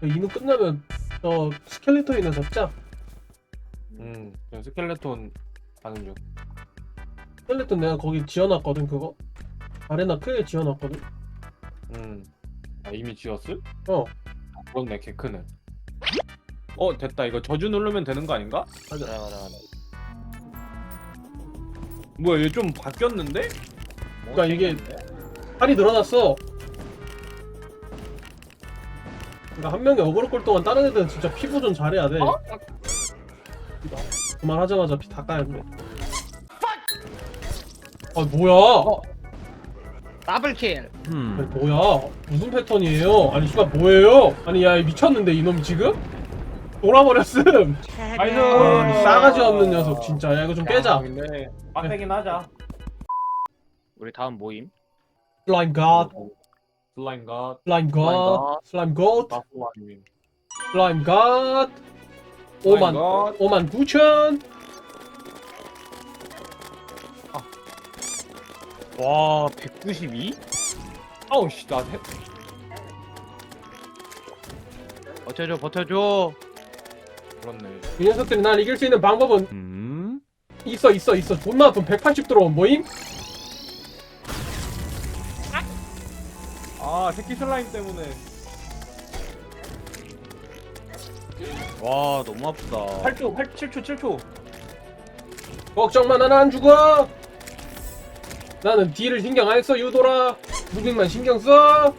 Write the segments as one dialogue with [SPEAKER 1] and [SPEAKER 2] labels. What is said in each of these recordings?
[SPEAKER 1] 이누 끝나면 스켈레톤이나 잡자.
[SPEAKER 2] 그냥 스켈레톤 가는 중.
[SPEAKER 1] 스켈레톤 내가 거기 지어놨거든. 그거 아레나 크게 지어놨거든.
[SPEAKER 2] 아 이미 지었을?
[SPEAKER 1] 어
[SPEAKER 2] 그렇네, 개 크네. 됐다. 이거 저주 누르면 되는 거 아닌가?
[SPEAKER 1] 맞아.
[SPEAKER 2] 뭐야, 얘 좀 바뀌었는데?
[SPEAKER 1] 그러니까 이게 팔이 늘어났어. 그러니까 한 명이 어그로 끌 동안 다른 애들은 진짜 피부 좀 잘해야 돼. 그만하자마자 피 다 까였네. 아 뭐야?
[SPEAKER 3] 더블킬.
[SPEAKER 1] 아니, 뭐야? 무슨 패턴이에요? 아니 씨발 뭐예요? 아니 야 미쳤는데 이놈 지금? 돌아버렸음.
[SPEAKER 2] 나이스!
[SPEAKER 1] 아, 싸가지 없는 녀석 진짜. 야 이거 좀 깨자.
[SPEAKER 2] 근데 빡세긴 하자.
[SPEAKER 3] 우리 다음 모임.
[SPEAKER 1] 슬라임 갓,
[SPEAKER 2] 슬라임 갓,
[SPEAKER 1] 슬라임 갓, 슬라임 갓,
[SPEAKER 2] 마슬라임.
[SPEAKER 1] 슬라임 갓. 5만 9천.
[SPEAKER 3] 와 192?
[SPEAKER 2] 아우 씨, 나
[SPEAKER 3] 버텨줘 버텨줘.
[SPEAKER 2] 그렇네.
[SPEAKER 1] 이 녀석들이 날 이길 수 있는 방법은 있어. 존나 아픈 180 들어온 모임?
[SPEAKER 2] 아, 새끼 슬라임 때문에.
[SPEAKER 3] 와 너무 아프다.
[SPEAKER 2] 8초, 7초, 7초.
[SPEAKER 1] 걱정만 나는 안 죽어. 나는 딜을 신경 안 써. 유도라 무빙만 신경 써.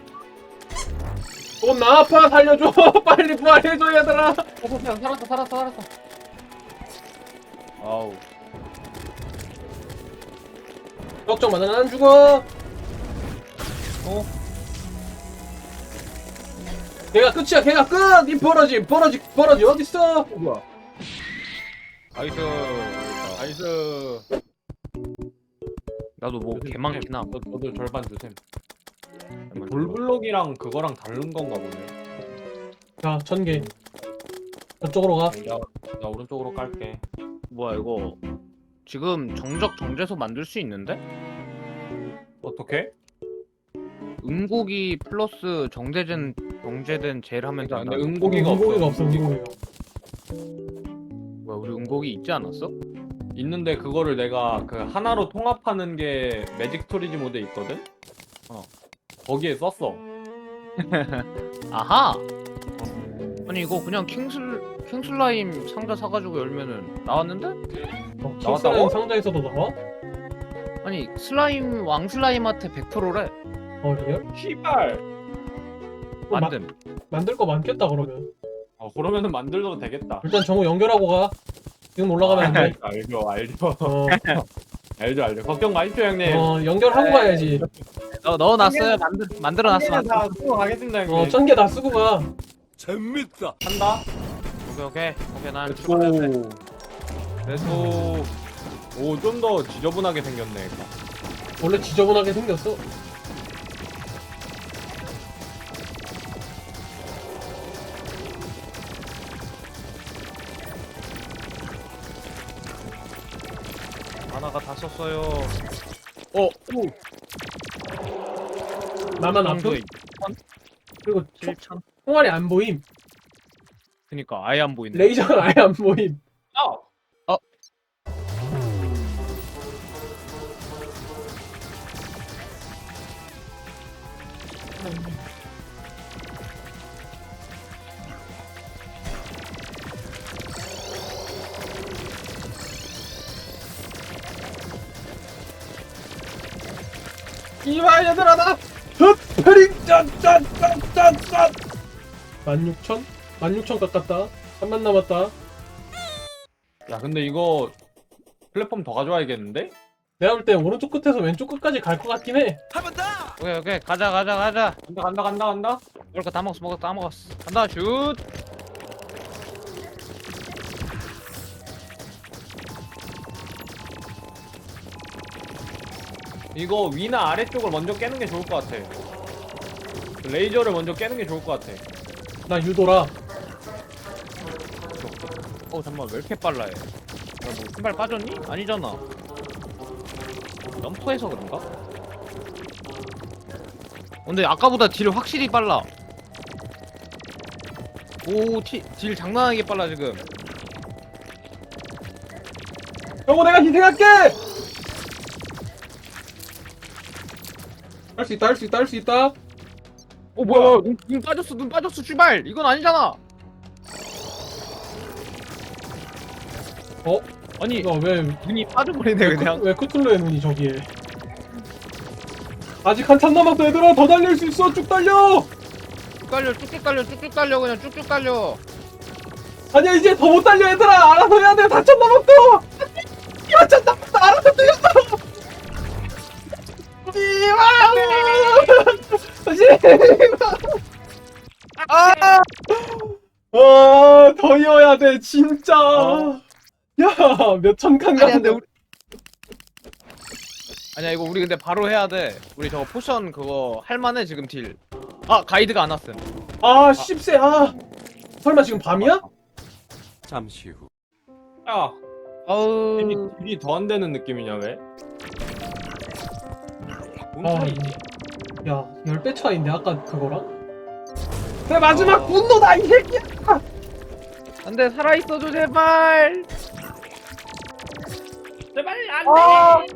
[SPEAKER 1] 나 아파. 살려줘. 빨리 부활해줘 얘들아.
[SPEAKER 2] 그냥 살았어.
[SPEAKER 3] 아우.
[SPEAKER 1] 걱정만 나는 안 죽어. 걔가 끝이야. 걔가 끝. 이 버러지 어딨어?
[SPEAKER 2] 뭐야?
[SPEAKER 3] 나이스.
[SPEAKER 2] 나이스.
[SPEAKER 3] 나도 뭐 개많긴 함.
[SPEAKER 2] 너도 절반 주셈. 돌블록이랑 그거랑 다른 건가 보네.
[SPEAKER 1] 자 1000개 저쪽으로 가.
[SPEAKER 2] 나 오른쪽으로 깔게.
[SPEAKER 3] 뭐야 이거 지금 정적 정제소 만들 수 있는데?
[SPEAKER 2] 어떻게?
[SPEAKER 3] 음고기 플러스 정제된 젤 하면
[SPEAKER 2] 그러니까
[SPEAKER 3] 된다.
[SPEAKER 2] 근데 응고기가 없어.
[SPEAKER 1] 응고기가.
[SPEAKER 3] 뭐야 우리 음고기 있지 않았어?
[SPEAKER 2] 있는데 그거를 내가 그 하나로 통합하는 게 매직 스토리지 모드에 있거든? 거기에 썼어.
[SPEAKER 3] 아하. 아니 이거 그냥 킹슬라임 상자 사가지고 열면은 나왔는데?
[SPEAKER 1] 킹슬라임
[SPEAKER 2] 나왔다고?
[SPEAKER 1] 상자에서도 나와?
[SPEAKER 3] 아니 슬라임 왕슬라임한테 100%래.
[SPEAKER 1] 리얼?
[SPEAKER 2] 씨발.
[SPEAKER 3] 만듦.
[SPEAKER 1] 만들 거 많겠다 그러면.
[SPEAKER 2] 그러면은 만들어도 되겠다.
[SPEAKER 1] 일단 정우 연결하고 가. 지금 올라가면 안 돼.
[SPEAKER 2] 알죠.
[SPEAKER 1] 어,
[SPEAKER 2] 알죠. 걱정 마십시오, 형님.
[SPEAKER 1] 연결하고 가야지.
[SPEAKER 3] 넣어놨어요. 만들어놨어.
[SPEAKER 2] 다 쓰고 가겠습니다, 형님.
[SPEAKER 1] 1000개 다 쓰고 가.
[SPEAKER 4] 재밌다.
[SPEAKER 2] 한다.
[SPEAKER 3] 오케이 난
[SPEAKER 2] 렛츠고.
[SPEAKER 3] 출발했네.
[SPEAKER 2] 렛츠고. 오, 좀 더 지저분하게 생겼네.
[SPEAKER 1] 원래 지저분하게 생겼어.
[SPEAKER 3] 하나가 다 썼어요.
[SPEAKER 1] 나만 아픔? 그리고
[SPEAKER 3] 7천.
[SPEAKER 1] 총알이 안 보임.
[SPEAKER 3] 그니까 아예 안 보이네.
[SPEAKER 1] 레이저가 아예 안 보임. 이봐 얘들아 나 흡페링 짠짠짠짠짠 16,000? 16,000 깎았다. 3만 남았다.
[SPEAKER 2] 야, 근데 이거 플랫폼 더 가져와야겠는데?
[SPEAKER 1] 내가 볼 때 오른쪽 끝에서 왼쪽 끝까지 갈 것 같긴 해.
[SPEAKER 4] 한번 더.
[SPEAKER 3] 오케이 가자.
[SPEAKER 2] 간다.
[SPEAKER 3] 먹을 거 다 먹었어. 간다 슛.
[SPEAKER 2] 이거 위나 아래쪽을 먼저 깨는 게 좋을 것 같아. 레이저를 먼저 깨는 게 좋을 것 같아.
[SPEAKER 1] 나 유도라.
[SPEAKER 3] 잠깐만 왜 이렇게 빨라 얘. 뭐 신발 빠졌니? 아니잖아. 점프해서 그런가? 근데 아까보다 딜 확실히 빨라. 딜 장난하게 빨라 지금.
[SPEAKER 1] 형호 내가 희생할게. 할 수 있다 할 수 있다 할 수 있다.
[SPEAKER 3] 뭐야 눈 빠졌어 눈 빠졌어 출발. 이건 아니잖아.
[SPEAKER 1] 어?
[SPEAKER 3] 아니
[SPEAKER 1] 이거 왜
[SPEAKER 3] 눈이 빠져버리네 그냥.
[SPEAKER 1] 왜 크툴루의 눈이 저기에? 아직 한참 남았어 얘들아. 더 달릴 수 있어. 쭉 달려.
[SPEAKER 3] 쭉 달려 쭉쭉 달려 쭉쭉 달려 그냥 쭉쭉 달려.
[SPEAKER 1] 아니야 이제 더 못 달려 얘들아. 알아서 해야 돼. 4천 남았어. 4천 남았어. 알아서 뛰어. 더 이어야 돼 진짜. 야 몇천 칸
[SPEAKER 3] 아니야 근데
[SPEAKER 1] 가는데.
[SPEAKER 3] 우리 아니야 이거 우리 근데 바로 해야 돼. 우리 저거 포션 그거 할만해 지금 딜. 아 가이드가 안 왔음.
[SPEAKER 1] 아 10세. 아 설마 지금 밤이야?
[SPEAKER 4] 잠시 후.
[SPEAKER 2] 야,
[SPEAKER 3] 아우
[SPEAKER 2] 딜이 더 안 되는 느낌이냐 왜? 뭔
[SPEAKER 1] 아,
[SPEAKER 2] 소리지?
[SPEAKER 1] 야 10배 차이인데 아까 그거랑? 내 마지막 분노다 이 새끼야.
[SPEAKER 3] 안돼 살아있어줘 제발.
[SPEAKER 2] 제발 안 돼.